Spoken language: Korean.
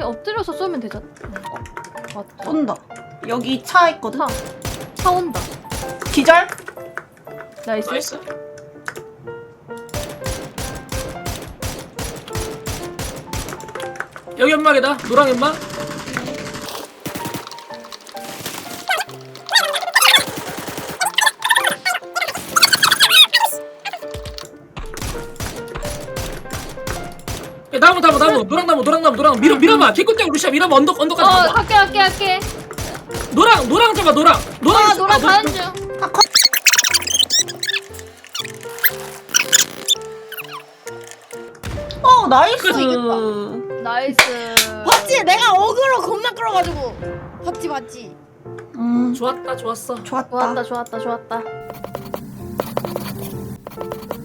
엎드려서 쏘면 되잖아. 맞다. 온다. 여기 차 있거든. 차 온다. 기절. 나이스. 나이스. 여기 연막이다. 노랑 연막. 야, 나무 노랑 밀어봐. 개꿀장 루시아 밀어봐. 언덕까지 가봐. 할게. 노랑 잡아. 노랑 노랑 가는 중. 나이스. 그래서 나이스. 봤지? 내가 어그로 겁나 끌어가지고. 봤지? 좋았어. 좋았다. 좋았다.